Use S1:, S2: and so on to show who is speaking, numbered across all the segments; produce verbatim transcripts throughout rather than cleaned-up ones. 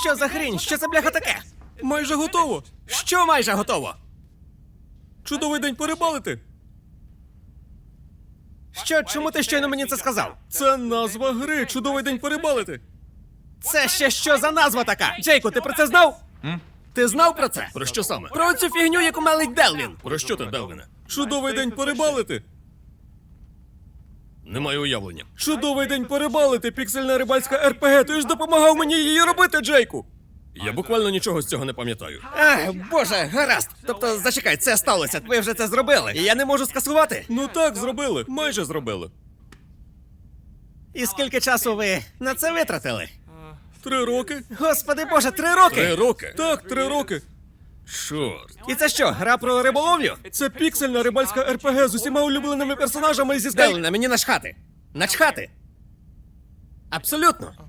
S1: Що за хрінь? Що це, бляха, таке? Майже готово. Що майже готово?
S2: Чудовий день порибалити.
S1: Що, чому ти щойно мені це сказав?
S2: Це назва гри. Чудовий день порибалити.
S1: Це ще що за назва така? Джейку, ти про це знав? Ти знав про це?
S2: Про що саме?
S1: Про цю фігню, яку мелить Делвін.
S2: Про що ти, Делвіне? Чудовий день порибалити. Не маю уявлення. Чудовий день порибалити, піксельна рибальська РПГ. Ти ж допомагав мені її робити, Джейку. Я буквально нічого з цього не пам'ятаю.
S1: Ах, боже, гаразд. Тобто, зачекай, це сталося, ви вже це зробили. І я не можу скасувати.
S2: Ну так, зробили. Майже зробили.
S1: І скільки часу ви на це витратили?
S2: Три роки.
S1: Господи боже, три роки!
S2: Три роки? Так, три роки. Чорт.
S1: І це що, гра про риболовлю?
S2: Це піксельна рибальська РПГ з усіма улюбленими персонажами зі Скай...
S1: Делвіне, мені начхати. Начхати. Абсолютно.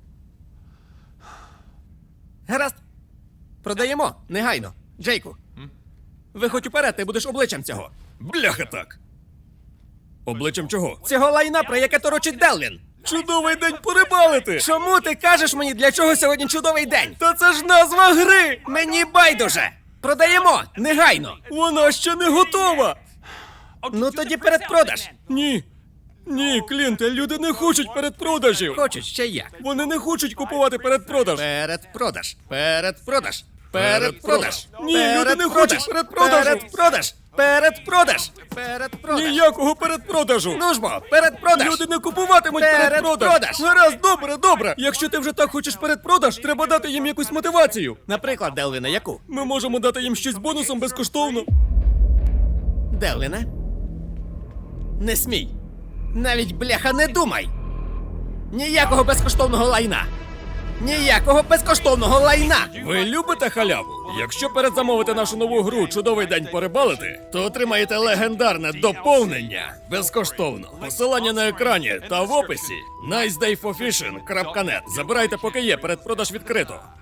S1: Гаразд. Продаємо, негайно. Джейку. Виходь уперед, ти будеш обличчям цього.
S2: Бляха так. Обличчям чого?
S1: Цього лайна, про яке торочить Делвін.
S2: Чудовий день порибалити!
S1: Чому ти кажеш мені, для чого сьогодні чудовий день?
S2: Та це ж назва гри!
S1: Мені байдуже! Продаємо! Негайно!
S2: Вона ще не готова!
S1: Ну тоді передпродаж!
S2: Ні. Ні, Клінте, люди не хочуть передпродажів!
S1: Хочуть ще як?
S2: Вони не хочуть купувати передпродаж!
S1: Передпродаж! Передпродаж! Передпродаж!
S2: Ні, люди не хочуть передпродажу!
S1: Передпродаж! Передпродаж! Передпродаж!
S2: Ніякого передпродажу!
S1: Ну ж бо, передпродаж!
S2: Люди не купуватимуть передпродаж!
S1: Передпродаж!
S2: Гаразд, добре, добре! Якщо ти вже так хочеш передпродаж, треба дати їм якусь мотивацію!
S1: Наприклад, Делвіне, яку?
S2: Ми можемо дати їм щось бонусом безкоштовно.
S1: Делвіне? Не смій! Навіть, бляха, не думай! Ніякого безкоштовного лайна! Ніякого безкоштовного лайна!
S2: Ви любите халяву? Якщо передзамовите нашу нову гру «Чудовий день порибалити», то отримаєте легендарне доповнення безкоштовно. Посилання на екрані та в описі. найс дей фор фішинг крапка нет. Забирайте, поки є, передпродаж відкрито.